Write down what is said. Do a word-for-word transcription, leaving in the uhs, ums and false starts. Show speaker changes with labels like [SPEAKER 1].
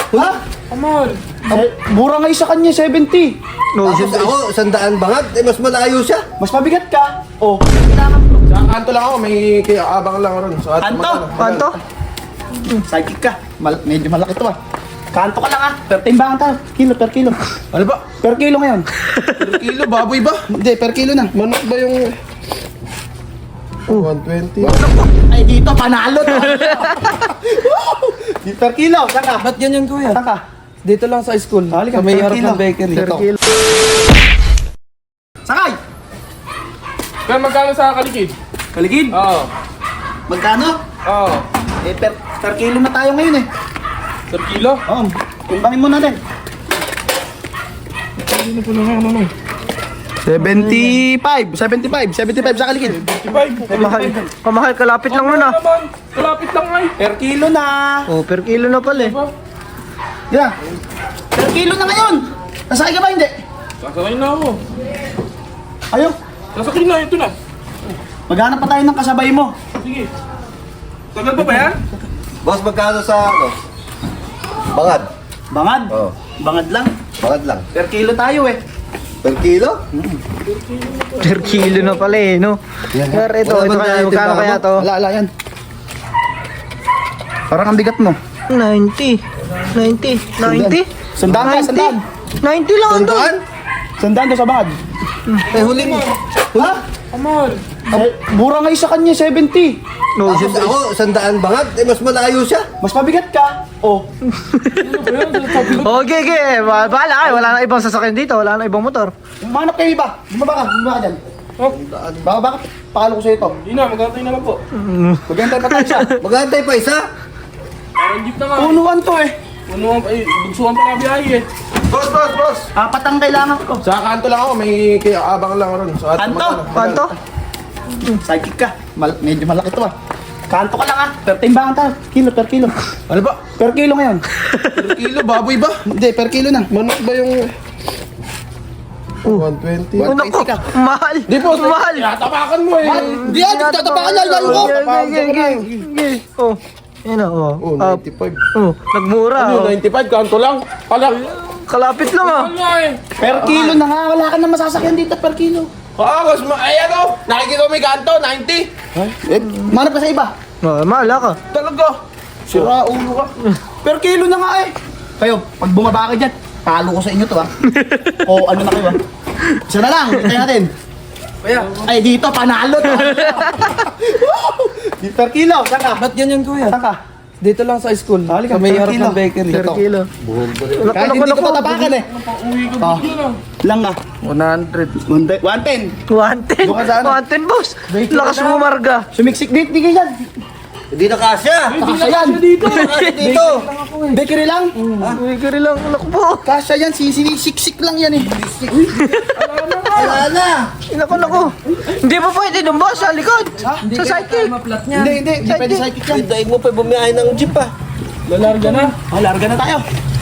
[SPEAKER 1] Ha?
[SPEAKER 2] Amor.
[SPEAKER 1] Se- mura nga sa kanya, seventy.
[SPEAKER 3] No, Tapos ako, sandaan bangat. Eh, mas malayo siya.
[SPEAKER 1] Mas mabigat ka. Oh.
[SPEAKER 2] Sa kanto lang ako, may kaya abang lang ron. So, at
[SPEAKER 1] Kanto?
[SPEAKER 2] magkano?
[SPEAKER 4] Kanto?
[SPEAKER 1] Psychic ka. Mal- medyo malaki to ah. Kanto ka lang ah. Per timbangan tayo. Kilo, per kilo.
[SPEAKER 2] Ano ba?
[SPEAKER 1] Per kilo ngayon.
[SPEAKER 2] Per kilo, baboy ba?
[SPEAKER 1] Hindi, per kilo na.
[SPEAKER 2] Manok ba yung... one twenty.
[SPEAKER 1] Ay, dito, panalo to. Di per kilo, saka.
[SPEAKER 2] Ba't ganyan kuya?
[SPEAKER 1] Saka.
[SPEAKER 2] Dito lang sa school.
[SPEAKER 1] Halika,
[SPEAKER 2] Sa may
[SPEAKER 1] per
[SPEAKER 2] harap
[SPEAKER 1] kilo.
[SPEAKER 2] ng bakery.
[SPEAKER 1] Per
[SPEAKER 2] Ito.
[SPEAKER 1] kilo. Sakay!
[SPEAKER 5] Kaya magkano sa kalikid?
[SPEAKER 1] Kaligid,
[SPEAKER 5] Oo.
[SPEAKER 1] magkano?
[SPEAKER 5] Oo.
[SPEAKER 1] Eh, per, per kilo na tayo ngayon eh.
[SPEAKER 5] Per kilo?
[SPEAKER 1] Oo, timbangin mo natin.
[SPEAKER 5] Ano po naman, ano naman?
[SPEAKER 1] seventy-five, seventy-five, seventy-five sa kaligid.
[SPEAKER 4] Pamahal. Pamahal, kalapit lang nun ah.
[SPEAKER 5] naman, kalapit lang ay.
[SPEAKER 1] Per kilo na.
[SPEAKER 4] Oh, per kilo na pala eh.
[SPEAKER 1] Yan. Per kilo na ngayon. Nasakay ka ba hindi?
[SPEAKER 5] Sasakay na ako.
[SPEAKER 1] Ayaw.
[SPEAKER 5] Sasakay na, ito na.
[SPEAKER 1] Maghanap pa tayo ng kasabay mo.
[SPEAKER 5] Sige. Tagal pa ba yan?
[SPEAKER 3] Boss, magkano sa ano? Bangad.
[SPEAKER 1] Bangad.
[SPEAKER 3] Oo.
[SPEAKER 1] Bangad lang.
[SPEAKER 3] Bangad lang.
[SPEAKER 1] Per kilo tayo eh.
[SPEAKER 3] Per kilo?
[SPEAKER 4] Per kilo na pala eh, no? Pero ito,
[SPEAKER 3] Wala
[SPEAKER 4] ito
[SPEAKER 3] bang
[SPEAKER 4] kaya,
[SPEAKER 3] item
[SPEAKER 4] magkano
[SPEAKER 3] ba
[SPEAKER 4] kaya
[SPEAKER 3] ako?
[SPEAKER 4] to?
[SPEAKER 1] Wala, wala yan. Parang ang bigat mo.
[SPEAKER 4] ninety. ninety. ninety?
[SPEAKER 1] Sandaan ka, sandaan.
[SPEAKER 4] ninety lang ito.
[SPEAKER 3] Sandaan?
[SPEAKER 1] Sandaan doon sa bangad.
[SPEAKER 3] Eh, huli mo.
[SPEAKER 1] Ha?
[SPEAKER 5] Amor.
[SPEAKER 1] Eh, mura nga sa kanya, seventy.
[SPEAKER 4] No,
[SPEAKER 3] Tapos ako, sandaan bangat. Eh, mas malayo siya.
[SPEAKER 1] Mas mabigat ka. Oh.
[SPEAKER 4] Okay, okay. Ba- Bahala kayo. Wala na ibang sasakyan dito. Wala na ibang motor.
[SPEAKER 1] Umanap kayo iba. Bumaba ka, bumaba ka dyan.
[SPEAKER 5] Oh,
[SPEAKER 1] Baka bakit pakalo ko sa'yo ito.
[SPEAKER 5] hindi na, magkantay na lang po.
[SPEAKER 1] Maghintay pa tayo siya.
[SPEAKER 3] Magantay pa isa.
[SPEAKER 5] Parang jeep na nga.
[SPEAKER 1] Punuan to eh.
[SPEAKER 5] Puno ang, ay, bugsuhan pa na biyahe eh.
[SPEAKER 2] Boss, boss, boss!
[SPEAKER 1] Apat ang kailangan ko.
[SPEAKER 2] Sa kanto lang ako, may kaya abang lang ron. So, at
[SPEAKER 1] Kanto?
[SPEAKER 2] magkano?
[SPEAKER 4] Kanto?
[SPEAKER 1] Psychic ka. Mal- medyo malaki to ah. Kanto ka lang ah. Per timbangan tayo. Kilo, per kilo.
[SPEAKER 2] Ano ba?
[SPEAKER 1] Per kilo ngayon.
[SPEAKER 2] Per kilo, baboy ba?
[SPEAKER 1] Hindi, per kilo na.
[SPEAKER 2] Manok ba yung... one twenty.
[SPEAKER 4] Oh, naku. Mahal.
[SPEAKER 2] Di po,
[SPEAKER 4] Mahal.
[SPEAKER 2] tapakan mo eh.
[SPEAKER 1] Hindi yan, tatapakan yan. Layo ko.
[SPEAKER 4] Okay, okay, okay, okay. Oh, yan na, oh.
[SPEAKER 2] Oh,
[SPEAKER 4] Ah,
[SPEAKER 2] ninety-five.
[SPEAKER 4] oh, nagmura.
[SPEAKER 2] Ano,
[SPEAKER 4] Oh.
[SPEAKER 2] ninety-five, kanto lang. Pala.
[SPEAKER 4] Kalapit lang ah.
[SPEAKER 5] Ano nga eh.
[SPEAKER 1] Per kilo na nga. Wala ka na masasakyan dito per kilo.
[SPEAKER 2] Ah, boss, ma- ay ano, nakikita mo may kanto, ninety.
[SPEAKER 1] Eh, manap ka sa iba.
[SPEAKER 4] Oh, mahal ka.
[SPEAKER 2] Talaga. Sira ulo ka.
[SPEAKER 1] Per kilo na nga eh. Kayo, pag bumaba ka dyan, talo ko sa inyo to ah. O ano na kayo ah. Isa na lang, hintayin natin.
[SPEAKER 2] Kaya,
[SPEAKER 1] Ay, dito, panalo to. Di per kilo, saka.
[SPEAKER 2] ba't ganyan kuya?
[SPEAKER 1] Saka.
[SPEAKER 2] Dito lang sa school.
[SPEAKER 1] Halika,
[SPEAKER 2] Sa may
[SPEAKER 1] per
[SPEAKER 2] harap
[SPEAKER 1] kilo.
[SPEAKER 2] ng bakery.
[SPEAKER 4] Per
[SPEAKER 2] Ito.
[SPEAKER 4] kilo.
[SPEAKER 1] Kahit hindi ko tatapakan eh.
[SPEAKER 5] Uwi ko
[SPEAKER 1] Oh.
[SPEAKER 5] bigyan ah.
[SPEAKER 1] Lang ah.
[SPEAKER 2] one hundred.
[SPEAKER 1] one ten.
[SPEAKER 4] one ten.
[SPEAKER 1] Doon ka sa ano?
[SPEAKER 4] one ten, boss. Lakas mo, Marga.
[SPEAKER 1] Sumiksik dito, di kayo yan.
[SPEAKER 3] Hindi na kasya.
[SPEAKER 1] Kasya yan.
[SPEAKER 3] Dito. Kasya dito.
[SPEAKER 1] Bakery lang.
[SPEAKER 4] Uy, kari lang. Naku po.
[SPEAKER 1] Kasya yan, sinisiksik lang yan eh.
[SPEAKER 3] Wala na.
[SPEAKER 4] Naku, naku. Hindi pa pwede doon, boss. Sa likod. Sa cycle.
[SPEAKER 2] Maplat niya.
[SPEAKER 1] Hindi, hindi, hindi pwede psychic yan.
[SPEAKER 3] Daig mo pa bumiyahe ng jeep ah.
[SPEAKER 5] Lalarga na.
[SPEAKER 1] Oh, larga na tayo.